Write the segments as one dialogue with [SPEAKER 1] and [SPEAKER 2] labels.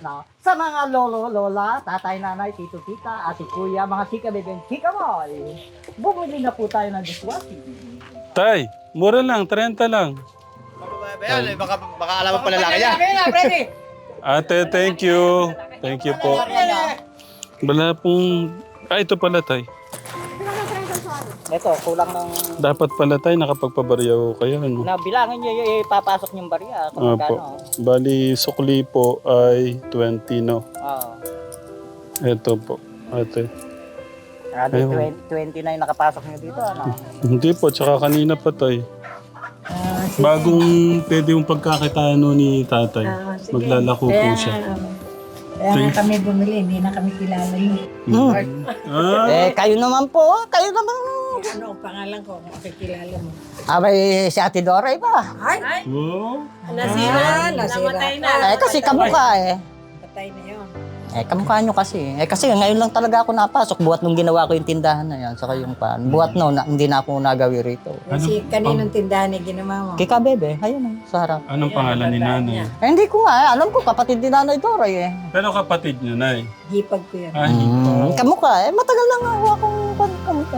[SPEAKER 1] No? Sa mga lolo, lola, tatay, nanay, tito, tita, ate, kuya, mga chika, bebe, chika boy. Bumili na po tayo ng dishwashing.
[SPEAKER 2] Tay, mura lang, 30 lang.
[SPEAKER 3] Yan, baka alam mo pala lalaki niya.
[SPEAKER 2] Ate, thank you. Thank you po. Wala pong... ito pala, Tay.
[SPEAKER 1] Ito, kulang ng...
[SPEAKER 2] Dapat pala, Tay, nakapagpabaryaw kayo. Ano?
[SPEAKER 1] Nabilangin nyo yung ipapasok yung barya. Kung
[SPEAKER 2] Opo.
[SPEAKER 1] magkano.
[SPEAKER 2] Bali, sukli po ay 20, no?
[SPEAKER 1] Oo.
[SPEAKER 2] Ito po, ate.
[SPEAKER 1] Grabe,
[SPEAKER 2] Ayun.
[SPEAKER 1] 29 nakapasok nyo dito, ano?
[SPEAKER 2] Hindi po, tsaka kanina pa, Tay. Bagong pwede yung pagkakitaan no ni tatay. Maglalako po siya.
[SPEAKER 4] Kaya nga kami bumili, hindi na kami kilala niyo.
[SPEAKER 2] Ah,
[SPEAKER 1] Kayo naman po, kayo naman.
[SPEAKER 4] Ano ang pangalan ko kung kakilala mo?
[SPEAKER 1] Abay, si Ate Doray ba?
[SPEAKER 4] Ay!
[SPEAKER 2] wow.
[SPEAKER 4] Nasira! Namatay na!
[SPEAKER 1] Kasi kamukha
[SPEAKER 4] Patay na yun.
[SPEAKER 1] Kamukha nyo kasi. Kasi ngayon lang talaga ako napasok. Buhat nung ginawa ko yung tindahan na yan. Saka yung pan. Buhat no, hindi na ako nagawi rito.
[SPEAKER 4] Kasi kaninong tindahan ni ginawa mo?
[SPEAKER 1] Kika Bebe, ayun sa harap.
[SPEAKER 2] Anong pangalan ni nanay?
[SPEAKER 1] Hindi ko nga, alam ko kapatid ni Nanay Doray
[SPEAKER 2] Pero kapatid niyo, nay.
[SPEAKER 4] Hipag ko yun.
[SPEAKER 2] Ah, hindi.
[SPEAKER 1] Kamukha matagal na nga ako akong kamukha.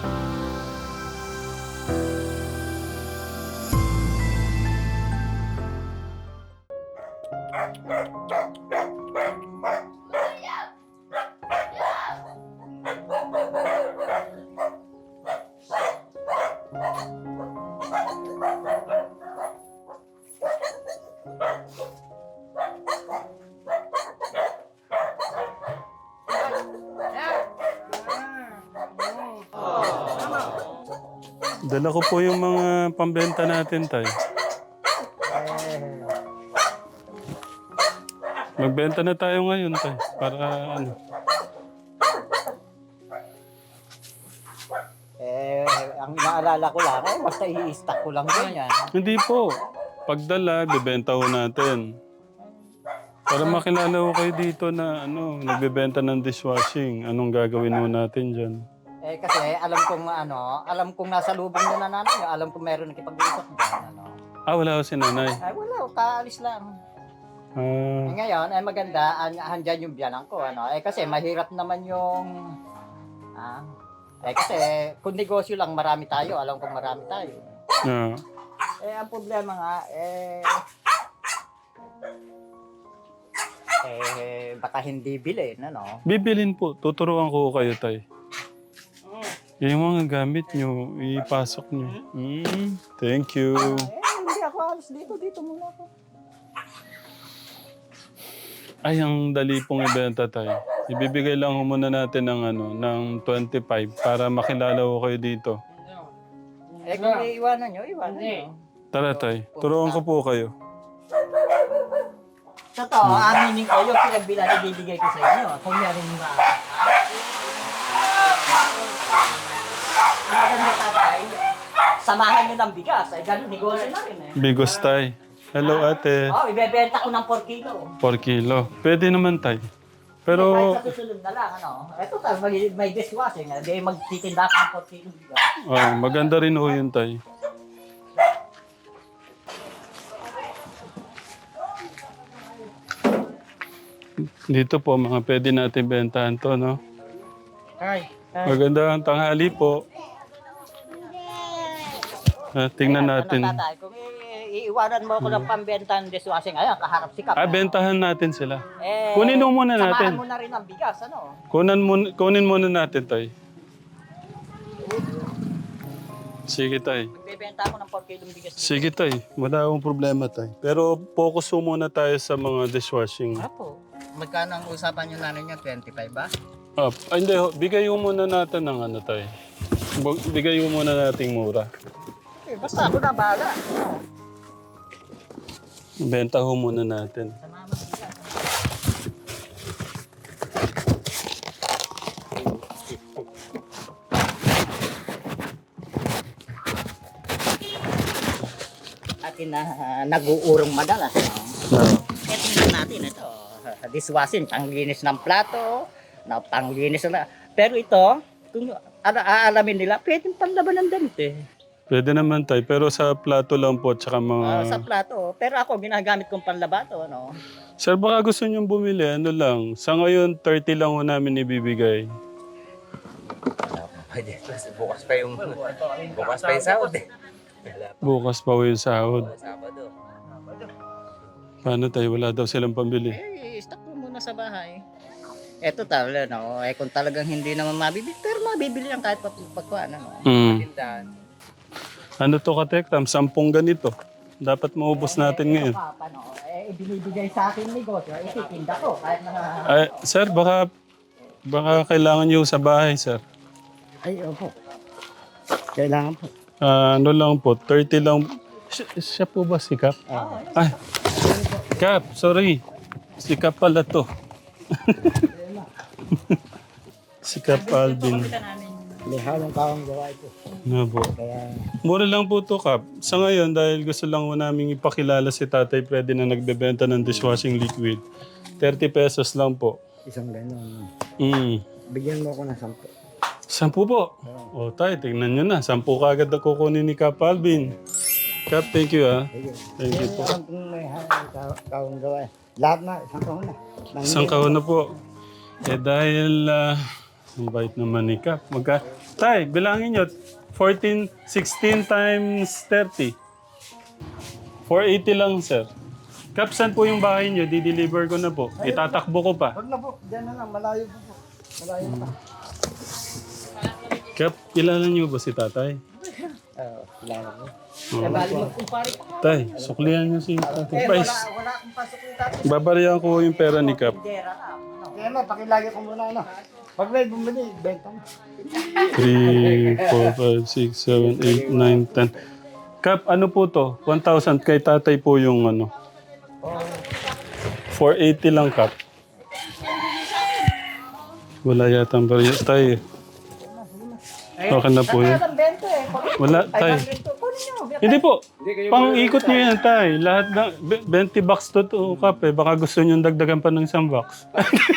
[SPEAKER 2] Dala ko po yung mga pambenta natin, tay. Magbenta na tayo ngayon, tay. Para ano.
[SPEAKER 1] Ang inaalala ko lang, basta i-stack ko lang din yan.
[SPEAKER 2] Hindi po. Pagdala, bibenta ho natin. Para makilala ko kayo dito na ano, nagbebenta ng dishwashing. Anong gagawin ho natin dyan?
[SPEAKER 1] Kasi alam kong nasa lubong na nanay nyo, alam kong meron nakipag-usap dyan,
[SPEAKER 2] Ah, wala ko si nanay.
[SPEAKER 1] Ay, wala, kaalis lang.
[SPEAKER 2] Ah,
[SPEAKER 1] Ngayon, maganda, andyan yung biyanan ko, kasi mahirap naman yung, kasi kung negosyo lang, marami tayo, alam kong marami tayo.
[SPEAKER 2] ah.
[SPEAKER 1] Ang problema nga, baka hindi bilhin,
[SPEAKER 2] Bibilin po. Tuturuan ko kayo, tay. Yung mga gamit nyo, ipasok nyo. Thank you.
[SPEAKER 1] Hindi ako alis dito muna ako.
[SPEAKER 2] Ay, ang dali pong ibenta, tay. Ibibigay lang ho muna natin ng, ng 25 para makilala ko kayo dito.
[SPEAKER 1] Kung iiwanan nyo,
[SPEAKER 2] Tara, tay. Turuan ko po kayo.
[SPEAKER 1] Totoo, aminin ko yung pinagbilan ibibigay ko sa inyo. Kung meron yung maganda tatay, samahan nyo ng bigas. Ganun, negosyo na rin
[SPEAKER 2] Bigos, tay. Hello, ate.
[SPEAKER 1] Ibebenta ko ng 4 kilo.
[SPEAKER 2] 4 kilo. Pwede naman, tay. Pero,
[SPEAKER 1] Kahit sa susunod na lang, Ito tal, may dishwashing. Di magtitinda ko ng 4 kilo bigas.
[SPEAKER 2] maganda rin ho yun, tay. Dito po, mga pwede natin bentahan to, no?
[SPEAKER 1] Ay.
[SPEAKER 2] Magandang tanghali po. Tingnan natin.
[SPEAKER 1] Tatay, kung iiwanan mo ako ng pambenta ng dishwashing, kaharap si Kap.
[SPEAKER 2] Bentahan natin sila. Kunin mo muna natin.
[SPEAKER 1] Samahan mo na rin ang bigas,
[SPEAKER 2] Kunin muna natin, tay. Sige, tay.
[SPEAKER 1] Magbebenta ako ng 4 kilong bigas.
[SPEAKER 2] Sige, tay. Wala akong problema, tay. Pero focus mo muna tayo sa mga dishwashing.
[SPEAKER 1] Apo, magkano ang usapan nyo nanin niya? 25 ba?
[SPEAKER 2] Hindi, bigay mo muna natin ng tay. Bigay mo muna nating mura.
[SPEAKER 1] Basta ako na bahala.
[SPEAKER 2] Benta ho muna natin.
[SPEAKER 1] Sa mama bigas. Atin na nag-uurong madalas. Tingnan natin ito. Dishwashing, panglinis ng plato, panglinis na. Pero ito, kung aalamin nila, pwedeng panlaban ng damit
[SPEAKER 2] Pwede naman tay, pero sa plato lang po, tsaka mga...
[SPEAKER 1] Sa plato. Pero ako, ginagamit kong panlabato, ano.
[SPEAKER 2] Sir, baka gusto niyong bumili, ano lang. Sa ngayon, 30 lang ho namin ibibigay.
[SPEAKER 3] Pwede. Bukas pa yung sahod eh.
[SPEAKER 2] Bukas pa ho yung sahod.
[SPEAKER 3] Sabado.
[SPEAKER 2] Paano tayo? Wala daw silang pambili.
[SPEAKER 1] Stock mo muna sa bahay. Eto talaga, no. Kung talagang hindi naman mabibili, pero mabibili lang kahit pagkuhan, ano.
[SPEAKER 3] Tindahan.
[SPEAKER 2] Ano to katekram? 10 ganito. Dapat maubos natin ngayon.
[SPEAKER 1] Paano? Ibinibigay sa akin negosyo, ititinda ko. Kahit na...
[SPEAKER 2] Ay, sir, baka kailangan niyo sa bahay, sir.
[SPEAKER 5] Ay, opo. Kailangan po.
[SPEAKER 2] Ano lang po, 30 lang. Siya po ba si Kap? Ay, Kap, sorry. Si Kap pala to. Si Kap Alvin.
[SPEAKER 5] May halong kawang gawa ito.
[SPEAKER 2] Ano po?
[SPEAKER 5] Kaya,
[SPEAKER 2] Mura lang po to, Kap. Sa ngayon, dahil gusto lang mo namin ipakilala si Tatay Freddy na nagbebenta ng dishwashing liquid. 30 pesos lang po.
[SPEAKER 5] isang gano'n.
[SPEAKER 2] Bigyan
[SPEAKER 5] mo ako ng
[SPEAKER 2] 10
[SPEAKER 5] 10.
[SPEAKER 2] po. O tayo, tingnan nyo na. 10 kagad na kukunin ni Kap Alvin. Kap, thank you ah. Thank you po.
[SPEAKER 5] Alam kong may halong kawang gawa. Lahat na, isang kahon na.
[SPEAKER 2] Isang kahon na po. Dahil, ang bait naman ni Kap. Tay, bilangin nyo. 16 times 30. 480 lang, sir. Kap, saan po yung bahay nyo? Di-deliver ko na po. Itatakbo ko pa.
[SPEAKER 5] Huwag na po, dyan na lang, malayo po po. Malayo pa.
[SPEAKER 2] Kap, kilala nyo ba si tatay?
[SPEAKER 5] Kilala ko.
[SPEAKER 1] Bali magkumpare pa.
[SPEAKER 2] Tay, suklihan nyo si tatay. Pais,
[SPEAKER 1] Wala akong pasok yung tatay.
[SPEAKER 2] babarihan ko yung pera ni Kap.
[SPEAKER 1] Dera na.
[SPEAKER 5] Kaya na, pakilagay ko muna ano. Pag may bumili, benta mo.
[SPEAKER 2] 3, 4, 5, 6, 7, 8, 9, 10. Kap, ano po to? 1,000 kay tatay po yung ano. 480 lang, Kap. Wala yata ang bariya. Tay, okay na po yun. Wala, tay. Hindi po. Pang-ikot nyo yan, tay. Lahat ng 20 bucks to, Kap. Baka gusto nyo dagdagan pa ng isang box.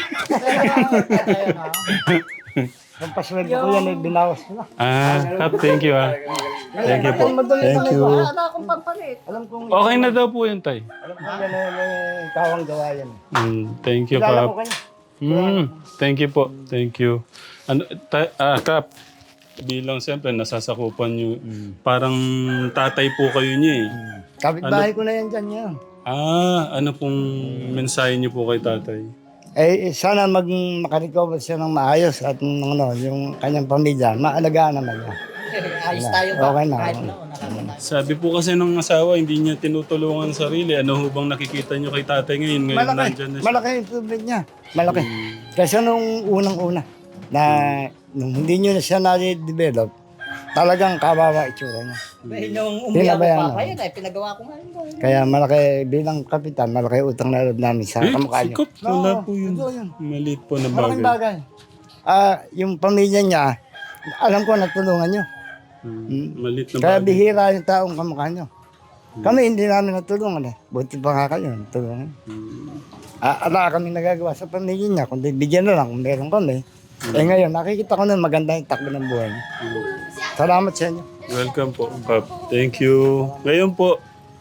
[SPEAKER 5] Yung paswede ko yan, binawas ko na.
[SPEAKER 2] Kap, thank you Thank you po. Thank you.
[SPEAKER 1] Wala akong pampalit.
[SPEAKER 5] Alam kong,
[SPEAKER 2] Okay na daw po yun, tay.
[SPEAKER 5] alam kong yan may kawang gawa yan.
[SPEAKER 2] Thank you,
[SPEAKER 5] Kilala
[SPEAKER 2] Kap.
[SPEAKER 5] ko kanya.
[SPEAKER 2] Thank you po. Thank you. Ano, Kap, bilang siyempre nasasakupan nyo, parang tatay po kayo niya eh.
[SPEAKER 5] Kapit-bahay ko na yan dyan yan.
[SPEAKER 2] Ano pong mensahe niyo po kay tatay?
[SPEAKER 5] Sana makarecover siya ng maayos at yung kanyang pamilya, maalagaan naman niya.
[SPEAKER 1] Ayos tayo ba?
[SPEAKER 5] Okay na.
[SPEAKER 1] Kahit noon, nakakatayo.
[SPEAKER 2] Sabi po kasi ng asawa, hindi niya tinutulungan sarili. Ano ho bang nakikita niyo kay tatay ngayon? Ngayon nandyan na siya.
[SPEAKER 5] Malaki yung tubig niya. Malaki. Kasi nung unang-una, na nung hindi nyo na siya na-develop, talagang kawawa itsura niya.
[SPEAKER 1] Nung umiyak ko
[SPEAKER 5] Tinabayan
[SPEAKER 1] pa
[SPEAKER 5] na.
[SPEAKER 1] yun, pinagawa ko nga yun.
[SPEAKER 5] Kaya malaki, bilang kapitan, malaki utang na loob namin sa kamukha niyo.
[SPEAKER 2] sikap. Wala po yun.
[SPEAKER 5] totoo yun.
[SPEAKER 2] Maliit po na
[SPEAKER 5] Malaking
[SPEAKER 2] bagay.
[SPEAKER 5] bagay. Yung pamilya niya, alam ko natulungan nyo.
[SPEAKER 2] Maliit na
[SPEAKER 5] Kaya
[SPEAKER 2] bagay.
[SPEAKER 5] bihira yung taong kamukha nyo. Kami hindi namin natulungan eh. Buti pa nga kayo, natulungan. Ala kami nagagawa sa pamilya niya, kundi bigyan na lang kung meron kami. Ngayon, nakikita ko na maganda yung takbo ng buhay niya. Salamat sa inyo.
[SPEAKER 2] Welcome po, Kap. Thank you. Ngayon po,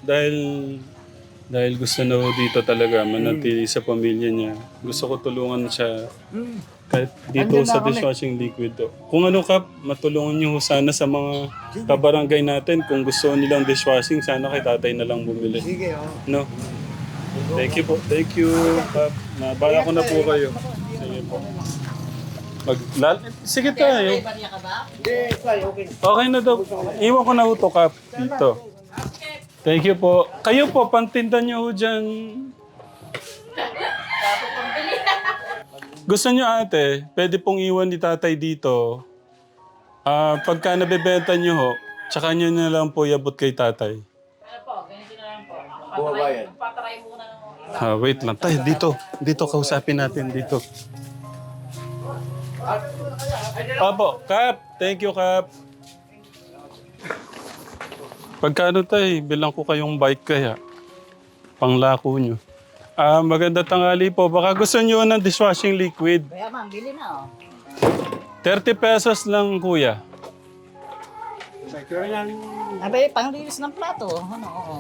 [SPEAKER 2] dahil gusto na ho dito talaga manatili sa pamilya niya, gusto ko tulungan siya kahit dito
[SPEAKER 5] Andyan na
[SPEAKER 2] sa
[SPEAKER 5] kami.
[SPEAKER 2] dishwashing liquid to. Kung ano, Kap, matulungan niyo ho sana sa mga kabarangay natin. Kung gusto nilang dishwashing, sana kay tatay na lang bumili.
[SPEAKER 5] Sige,
[SPEAKER 2] No? Thank you po. Thank you, Kap. Nabala ko na po kayo. Sige po. Sige tayo.
[SPEAKER 1] Bariya ka ba?
[SPEAKER 2] Okay na daw. Iwan ko na ho to, Kap, dito. Thank you po. Kayo po, pantindan niyo ho dyan. Gusto niyo ate, pwede pong iwan ni tatay dito. Pagka nabebenta niyo ho, tsaka niyo na lang po iabot kay tatay. Wait lang. Tay, dito. Dito, kausapin natin dito. Apo, Kap. Thank you, Kap. Pagkano tay, bilang ko kayong bike kaya. Panglako nyo. Maganda tanghali po. Baka gusto nyo ng dishwashing liquid.
[SPEAKER 1] Kaya ma'am, bili na
[SPEAKER 2] 30 pesos lang, kuya.
[SPEAKER 1] Abay, panglinis ng plato. Ano, oo.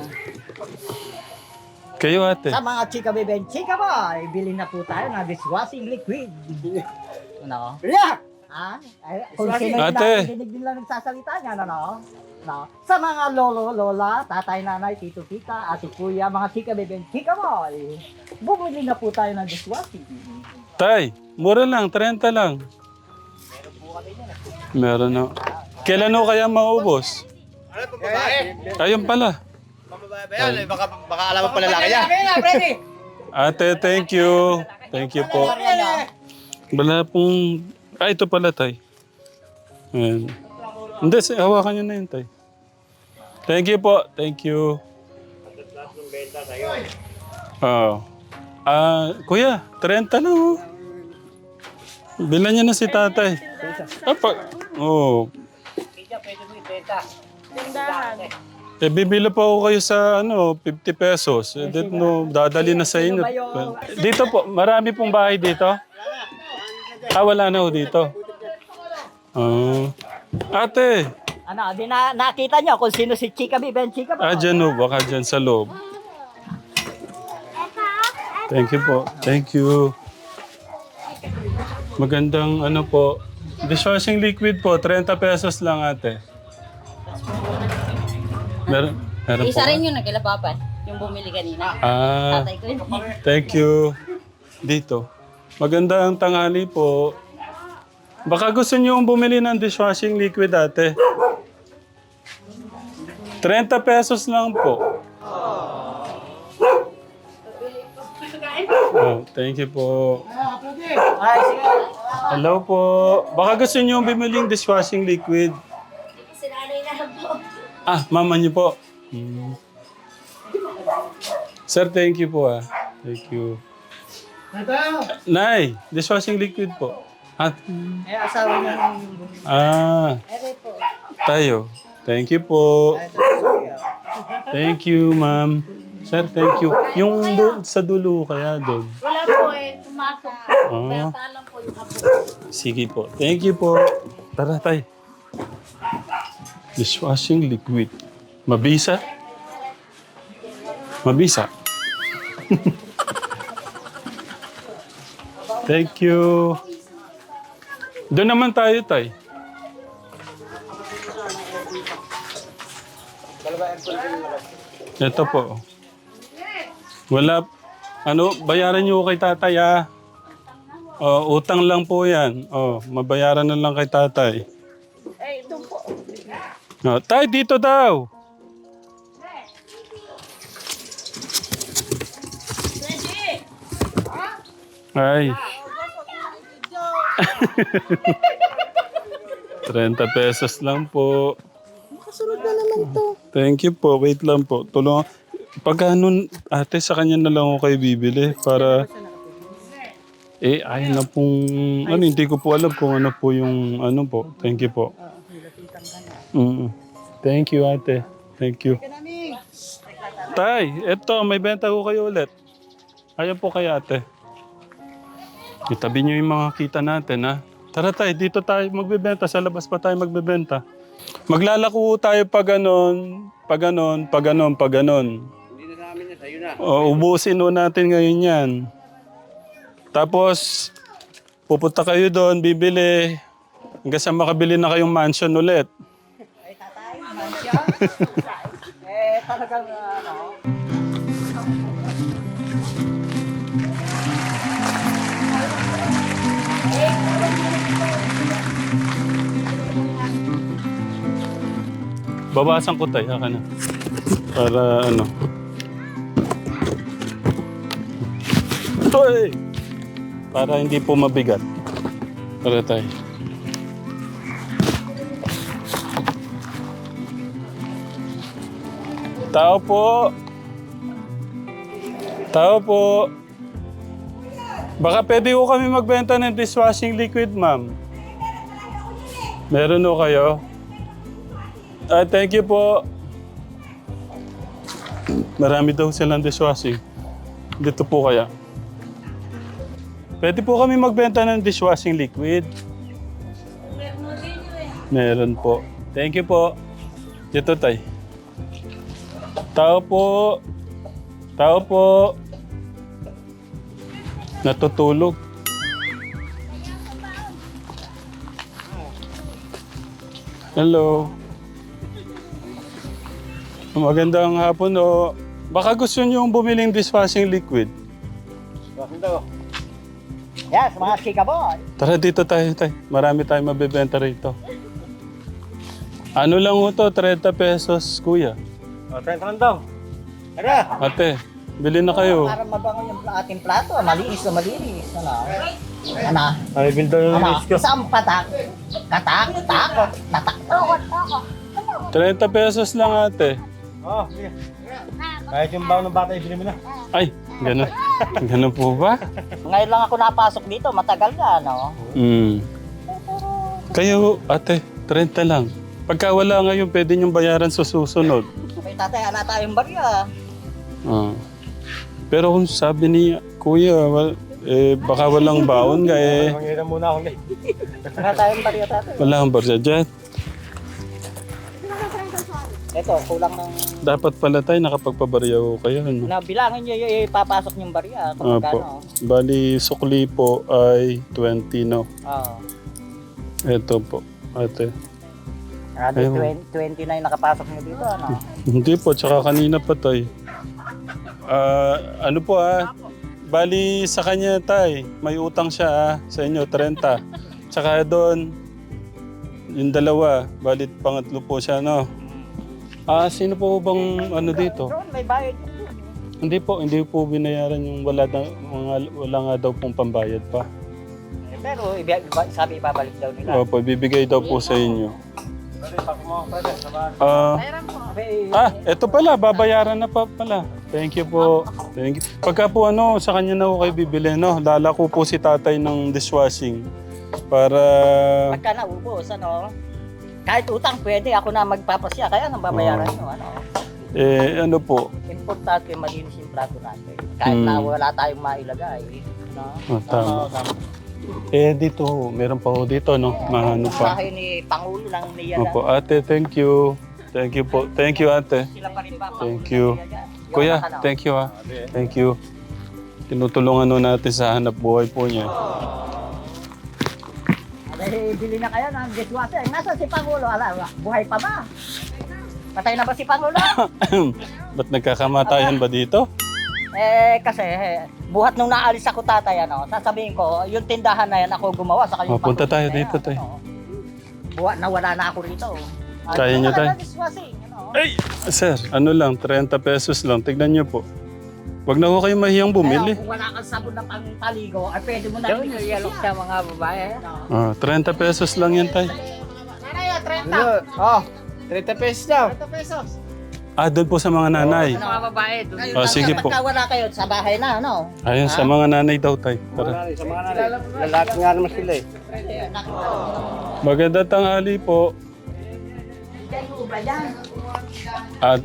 [SPEAKER 2] Kayo ate.
[SPEAKER 1] Sa mga chika bebe and chika boy, bilhin na po tayo ng dishwashing liquid. Ano? Kung sino yung
[SPEAKER 2] Ate.
[SPEAKER 1] nakikinig din lang nagsasalita niya, ano? No? Sa mga lolo, lola, tatay, nanay, tito, tita, ate, kuya, mga chika bebe and chika boy, bumili na po tayo ng dishwashing.
[SPEAKER 2] Tay, mura lang, 30 lang. Meron na. Kailan ho kaya maubos? Ayun pala.
[SPEAKER 3] Baka alam mo pala lalaki niya.
[SPEAKER 2] Ate, thank you. Thank you po. Wala pong... ito pala, tay. Ayan. Hindi, hawakan nyo na yun, tay. Thank you po. Thank you. Kuya, 30 lang, oh. Bilan niya na si tatay. Bibili pa ako kayo sa 50 pesos. Dadali na sa inyo. Dito po, marami pong bahay dito? Wala na ho dito. Ate,
[SPEAKER 1] Ano, di nakita nyo kung sino si Chika Bebe and Chika Boy?
[SPEAKER 2] dyan ho, baka dyan sa loob. Thank you po. Thank you. Magandang po. Dishwashing liquid po, 30 pesos lang ate. Meron po.
[SPEAKER 6] Isa rin yun nagkila Papa, yung bumili kanina. Tatay ko yun.
[SPEAKER 2] Thank you. Dito. Magandang tanghali po. Baka gusto niyo bumili ng dishwashing liquid ate. 30 pesos lang po. Thank you po. Hello po. Baka gusto niyo bumili ng dishwashing liquid. Mama niyo po. Sir, thank you po Thank you. Nay, dishwashing liquid po.
[SPEAKER 1] Asawa niya
[SPEAKER 2] Tayo. Thank you po. Thank you, ma'am. Sir, thank you. Yung sa dulo kaya doon.
[SPEAKER 6] Wala po pumasok. Kaya talang po yung apo.
[SPEAKER 2] Sige po. Thank you po. Tara, tay. Dishwashing liquid. Mabisa? Mabisa. Thank you. Doon naman tayo, tay. Ito po. Wala. Bayaran niyo kay tatay utang lang po yan. Mabayaran na lang kay tatay.
[SPEAKER 6] Ito po.
[SPEAKER 2] Tay, dito daw. Ay. 30 pesos lang po.
[SPEAKER 6] Kasunod na naman to.
[SPEAKER 2] Thank you po. Wait lang po. Tulungan. Pagka ate, sa kanya na lang ako kayo bibili para... ayun na pong... hindi ko po alam kung ano po yung po. Thank you po. Thank you, ate. Thank you. Tay, eto, may benta ko kayo ulit. Ayan po kay ate. Itabi niyo yung mga kita natin, Tara tay, dito tayo magbebenta. Sa labas pa tayo magbebenta. Maglalako tayo pag ganon. Hindi na sa amin yan, sa'yo na. Ubusin natin ngayon yan. Tapos, pupunta kayo doon, bibili. Hanggang sa makabili na kayong mansion ulit.
[SPEAKER 1] Ay, tatay, mansion. Talagang
[SPEAKER 2] Bawasan ko tayo, na. Para Toy! Para hindi po mabigat. Para tayo. Tao po. Tao po. Baka pwede ko kami magbenta ng dishwashing liquid, ma'am. Meron o kayo? Thank you po. Marami daw silang dishwashing. Dito po kaya. Pwede po kami magbenta ng dishwashing liquid. Meron po. Thank you po. Dito, tay. Tao po. Tao po. Natutulog. Hello. Magandang hapon o. Baka gusto niyo bumiling dishwashing liquid.
[SPEAKER 1] Yes, mga chika boy.
[SPEAKER 2] Tara dito tayo, tay. Marami tayong mabibenta rito. Ano lang ho to? 30 pesos, kuya.
[SPEAKER 3] O, 30 lang daw. Tara!
[SPEAKER 2] Ate, bili na kayo.
[SPEAKER 1] Para mabango yung ating plato. Malinis na malinis. Ano? Ano?
[SPEAKER 3] Ay, bildo yung
[SPEAKER 1] Ano? Isang patak. Katak. Tako. Tatak.
[SPEAKER 2] 30 pesos lang, ate.
[SPEAKER 3] Oh, sige. Kahit yung baon ng bata, ibili mo na.
[SPEAKER 2] Ay, ganun. Ganun po ba?
[SPEAKER 1] Ngayon lang ako napasok dito. Matagal na, ano?
[SPEAKER 2] Kayo, ate, 30 lang. Pagka wala ngayon, pwede niyong bayaran sa susunod.
[SPEAKER 1] May tatay, ana tayong barya.
[SPEAKER 2] Ah. Pero kung sabi ni kuya, baka walang baon nga eh.
[SPEAKER 3] Mangiram muna ako ulit.
[SPEAKER 1] Ana tayong barya, tatay.
[SPEAKER 2] Wala kang barya dyan.
[SPEAKER 1] Ito, kulang ng...
[SPEAKER 2] Dapat pala tayo nakapagpabarya ko kayo. Ano?
[SPEAKER 1] Bilangin nyo yung ipapasok yung barya. Kung
[SPEAKER 2] Apo.
[SPEAKER 1] magkano.
[SPEAKER 2] Bali, sukli po ay 20, no?
[SPEAKER 1] Oo.
[SPEAKER 2] Ito po, ate.
[SPEAKER 1] Ano, 20 na yung nakapasok nyo dito, ano?
[SPEAKER 2] Hindi po, tsaka kanina pa tayo. Ano po bali sa kanya tay, may utang siya sa inyo, 30. Tsaka doon, yung dalawa, bali pangatlo po siya, no? Sino po bang ano dito?
[SPEAKER 1] Doon, may bayad yun.
[SPEAKER 2] Hindi po binayaran yung wala nga daw pong pambayad pa.
[SPEAKER 1] Pero sabi ibabalik daw nila.
[SPEAKER 2] Opo, bibigay daw po sa inyo. Eto pala, babayaran na pa pala. Thank you po. Thank you. Pagka po sa kanya na ako kayo bibili, no? Lalako po si tatay ng dishwashing. Para...
[SPEAKER 1] Pagka naubos, ano? Kahit utang pwede, ako na magpapasya. Kaya nang babayaran nyo, ano?
[SPEAKER 2] ano po?
[SPEAKER 1] Importante malinis yung plato natin. Kahit na wala tayong mailagay. No?
[SPEAKER 2] Tama. Dito, meron pa ho dito, no? Mahano pa.
[SPEAKER 1] Bahay ni Pangulo ng NIA.
[SPEAKER 2] Opo, ate, thank you. Thank you po. Thank you, ate.
[SPEAKER 1] Sila pa rin pa.
[SPEAKER 2] Thank you. Kuya, thank you Thank you. Tinutulungan ho natin sa hanap buhay po niya.
[SPEAKER 1] Bili na kayo ng dishwasher. Nasaan si Pangulo? Buhay pa ba? Patay na ba si Pangulo?
[SPEAKER 2] Ba't nagkakamatayan ba dito?
[SPEAKER 1] Kasi buhat nung naalis ako tatay, ano, sasabihin ko, yung tindahan na yan ako gumawa sa kanyang
[SPEAKER 2] Punta tayo
[SPEAKER 1] Pangulo na
[SPEAKER 2] dito,
[SPEAKER 1] yan,
[SPEAKER 2] tay.
[SPEAKER 1] ano. Buhat na wala na ako rito.
[SPEAKER 2] Kaya niyo, tay?
[SPEAKER 1] Dishwashing, ano.
[SPEAKER 2] Ay, sir, ano lang, 30 pesos lang. Tignan niyo po. Wag na ho kayo mahiyang bumili.
[SPEAKER 1] Kung wala kang sabon na pang-paligo, ay pwede mo na rin i-yalok sa mga babae.
[SPEAKER 2] 30 pesos lang yan, tay.
[SPEAKER 1] Nanay, 30.
[SPEAKER 3] Oh, 30 pesos daw.
[SPEAKER 1] 30 pesos.
[SPEAKER 2] Doon po sa mga nanay.
[SPEAKER 1] Sa mga babae. Doon.
[SPEAKER 2] Sige po.
[SPEAKER 1] Pagka wala kayo, sa bahay na, ano?
[SPEAKER 2] Ayun, sa mga nanay daw, tay. Tara.
[SPEAKER 3] Sa mga nanay. Lalaki nga naman sila eh.
[SPEAKER 2] Magandang tanghali po. At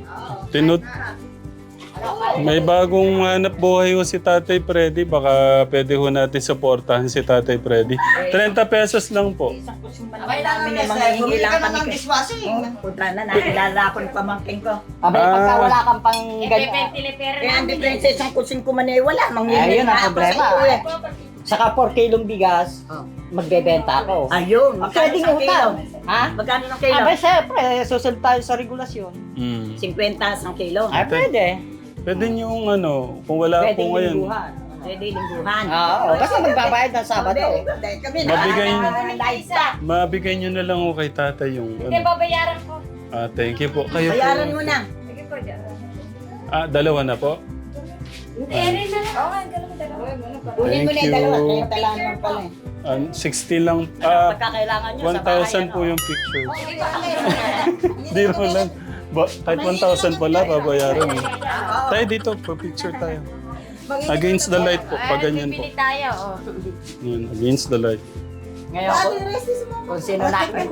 [SPEAKER 2] may bagong hanap buhay ho si Tatay Freddy. Baka pwede ho natin supportahan si Tatay Freddy. 30 pesos lang po.
[SPEAKER 4] Abay namin na sa bumili ka na ng dishwashing. Punta na, nakilala ko yung pamangking ko.
[SPEAKER 1] Abay, pagka wala kang pang ganyan.
[SPEAKER 4] Kaya ang diferensya isang kusin ko man eh, wala.
[SPEAKER 1] Ayun ang problema. Saka 4 kilong bigas, magbebenta ako.
[SPEAKER 4] Ayun, magkano
[SPEAKER 1] Pwedeng
[SPEAKER 4] isang kilo?
[SPEAKER 1] utang. Ha?
[SPEAKER 4] Magkano ng kilo?
[SPEAKER 1] Abay, syempre, susunod tayo sa regulasyon.
[SPEAKER 4] 50 isang kilo.
[SPEAKER 1] Ay, pwede.
[SPEAKER 2] Pwede niyong kung wala
[SPEAKER 1] Pwede
[SPEAKER 2] po ngayon.
[SPEAKER 1] lingguhan.
[SPEAKER 4] Pwede lingguhan.
[SPEAKER 1] Oo, basta magbabayad ng Sabado.
[SPEAKER 4] Kami
[SPEAKER 2] Mabigay niyo na lang ho kay tatay yung
[SPEAKER 6] babayaran ko.
[SPEAKER 2] thank you po. Kayo
[SPEAKER 4] Bayaran
[SPEAKER 2] po.
[SPEAKER 4] mo na.
[SPEAKER 2] Dalawa na po.
[SPEAKER 6] Eri na lang. Oo nga, dalawa.
[SPEAKER 4] Kunin mo na
[SPEAKER 2] Thank
[SPEAKER 4] yung dalawa.
[SPEAKER 2] you.
[SPEAKER 4] Kaya talaan lang pala eh.
[SPEAKER 2] 60 lang.
[SPEAKER 1] Pagka kailangan nyo sa bahay.
[SPEAKER 2] 1,000 po yung picture. Hindi mo lang. Kahit 1,000 pala, babayaran eh. Tayo dito, pa-picture tayo. Against the light po, pag ganyan po.
[SPEAKER 6] Bili tayo.
[SPEAKER 2] Yan, against the light.
[SPEAKER 1] Ngayon, kung sino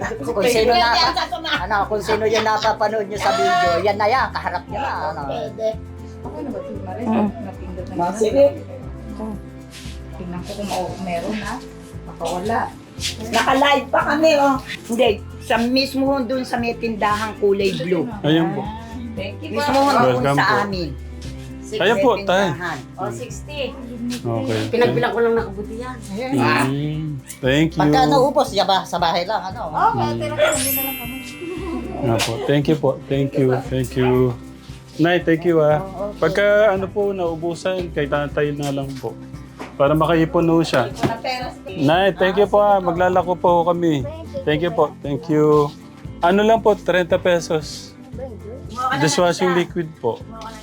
[SPEAKER 1] yung napapanood nyo sa video, yan na yan, kaharap nyo na. Ano.
[SPEAKER 4] Sige. Tingnan ko kung meron ha. Makawala. Naka-live pa kami oh. Hindi, sa mismo doon sa may tindahang kulay blue.
[SPEAKER 2] Ayan po.
[SPEAKER 4] Mismo doon
[SPEAKER 2] Welcome
[SPEAKER 4] sa
[SPEAKER 2] po.
[SPEAKER 4] amin.
[SPEAKER 2] Ayan po, tay.
[SPEAKER 4] Tindahan.
[SPEAKER 6] O, 60.
[SPEAKER 2] Okay.
[SPEAKER 6] Pinagbilang ko lang nakabuti yan.
[SPEAKER 2] Thank you.
[SPEAKER 1] Pagka naubos, yaba, sa bahay lang, ano.
[SPEAKER 2] Nga po. Thank you po. Thank you. Thank you. Nay, thank you Pagka ano po, naubusan, kay tatay na lang po. Para makaipon po siya. Nay, thank you po Maglalako po kami. Thank you po. Thank you. Ano lang po, 30 pesos. Dishwashing liquid po.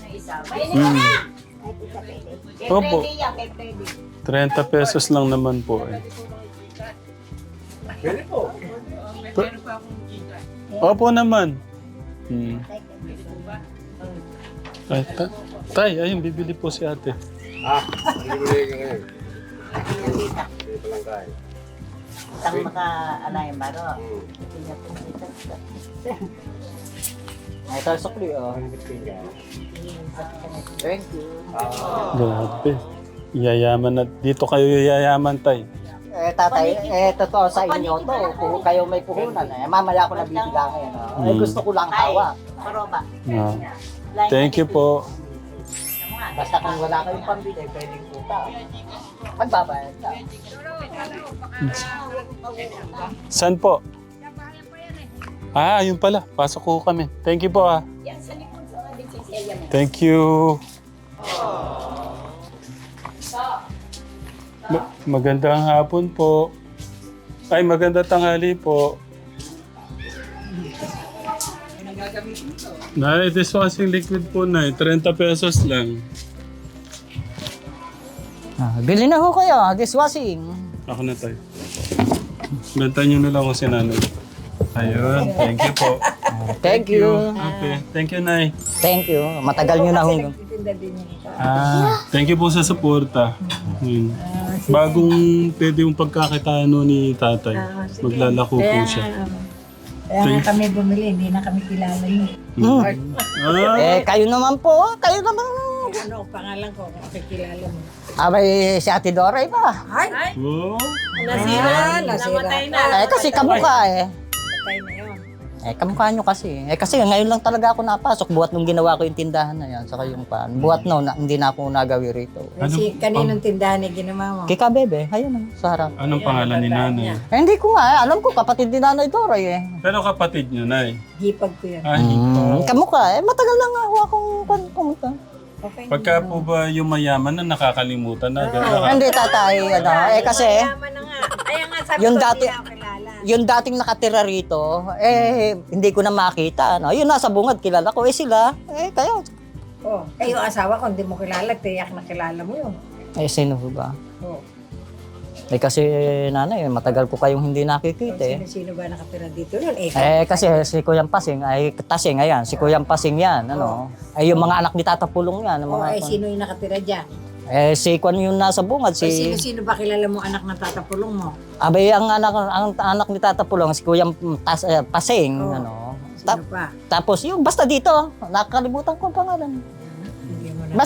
[SPEAKER 2] Opo. 30 pesos lang naman po
[SPEAKER 3] Pwede po.
[SPEAKER 2] Opo naman. Ay, tay, ayun, bibili po si ate.
[SPEAKER 3] Hindi ka ngayon. Hindi pa lang kain.
[SPEAKER 4] Isang maka-alay baro.
[SPEAKER 1] Ito, sukli, oh. Thank you.
[SPEAKER 2] Grabe. Yayaman na. Dito kayo yayaman, tay.
[SPEAKER 1] Tatay, totoo sa inyo to. Kung kayo may puhunan, mamaya ko na bibigyan ngayon. Gusto ko lang hawak.
[SPEAKER 6] Paroba.
[SPEAKER 2] Ah. Thank you po.
[SPEAKER 1] Basta kung wala kayong pambili, pwedeng puta. Magbabayad ka.
[SPEAKER 2] Saan po? Ayun pala. Pasok ko kami. Thank you po Thank you. Magandang hapon po. Ay, magandang tanghali po. Nay, dishwashing liquid po, Nay. 30 pesos lang.
[SPEAKER 1] Bili na ho kayo, dishwashing.
[SPEAKER 2] Ako na tayo. Benta nyo na lang ako si nanay. Ayun, thank you po.
[SPEAKER 1] Thank you.
[SPEAKER 2] Okay, thank you, Nay.
[SPEAKER 1] Thank you. Matagal nyo na ho.
[SPEAKER 2] Thank you po sa suporta. Bagong pwede yung pagkakitaan no ni tatay. Maglalako po siya.
[SPEAKER 4] Kaya nga kami bumili, hindi na kami kilala niyo.
[SPEAKER 1] Kayo naman po. Kayo naman.
[SPEAKER 4] Ano pangalan ko kung kilala mo?
[SPEAKER 1] May si Ate Doray pa.
[SPEAKER 4] Ay!
[SPEAKER 2] Oh.
[SPEAKER 4] Nasira. Namatay na.
[SPEAKER 1] Kasi kamukha
[SPEAKER 4] Patay na yun.
[SPEAKER 1] kamukha nyo kasi. Kasi ngayon lang talaga ako napasok. Buhat nung ginawa ko yung tindahan na yan. Saka yung pan. Buhat hindi na ako nagawi rito.
[SPEAKER 4] Si kaninong tindahan ni ginawa mo?
[SPEAKER 1] Kika Bebe. Ayun sa harap.
[SPEAKER 2] Anong pangalan ni nanay?
[SPEAKER 1] Hindi ko nga. Alam ko kapatid ni Nanay Doray
[SPEAKER 2] Pero kapatid niyo, Nay.
[SPEAKER 4] Hipag ko yun.
[SPEAKER 1] Kamukha. Matagal lang ako akong pumunta.
[SPEAKER 4] Okay.
[SPEAKER 2] Pagka po ba yung mayaman na nakakalimutan na?
[SPEAKER 1] Hindi tatay. Kasi
[SPEAKER 4] Tama na nga. Kaya nga sabi
[SPEAKER 1] Yung
[SPEAKER 4] ko
[SPEAKER 1] dati-
[SPEAKER 4] hindi ako kilala.
[SPEAKER 1] yung dating nakatira rito, hindi ko na makita. Yun nasa bungad, kilala ko. Sila, kayo.
[SPEAKER 4] Oh, yung asawa ko hindi mo kilala, tiyak na kilala mo yun.
[SPEAKER 1] Sino ba?
[SPEAKER 4] Oh.
[SPEAKER 1] Kasi nanay, matagal ko kayong hindi nakikita
[SPEAKER 4] Sino ba nakatira dito nun?
[SPEAKER 1] Kasi si Kuyang Pasing ay Tasing, ayan. Si Kuyang Pasing yan, Ay yung mga anak ni Tata Pulong yan.
[SPEAKER 4] sino yung nakatira dyan?
[SPEAKER 1] Si Kwan yung nasa bungad,
[SPEAKER 4] Sino ba kilala mo anak ng tatapulong mo?
[SPEAKER 1] Abay, ang anak ni Tata Pulong, si Kuyang Pasing,
[SPEAKER 4] Sino pa?
[SPEAKER 1] Tapos yung, basta dito, nakakalimutan ko ang pangalan.
[SPEAKER 4] Hindi mo na.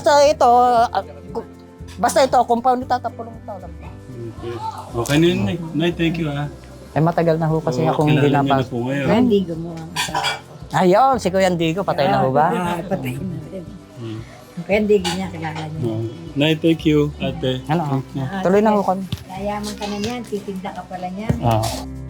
[SPEAKER 1] Basta ito, compound ni Tata Pulong ito.
[SPEAKER 2] Okay na yun, Nay. Nay, thank you
[SPEAKER 1] Matagal na ho kasi akong hindi
[SPEAKER 2] kilala niyo na
[SPEAKER 1] napasok.
[SPEAKER 2] po ngayon.
[SPEAKER 4] Hindi gumawa ang asawa ko.
[SPEAKER 1] Ayun, si Kuya Digo, patay na ho ba?
[SPEAKER 4] Patay na rin. Kaya hindi niya kilala niya.
[SPEAKER 2] Nay, thank you, ate.
[SPEAKER 1] Tuloy na ho kami.
[SPEAKER 4] Yayaman ka na niyan, titinda ka pala niyan.
[SPEAKER 2] Ah.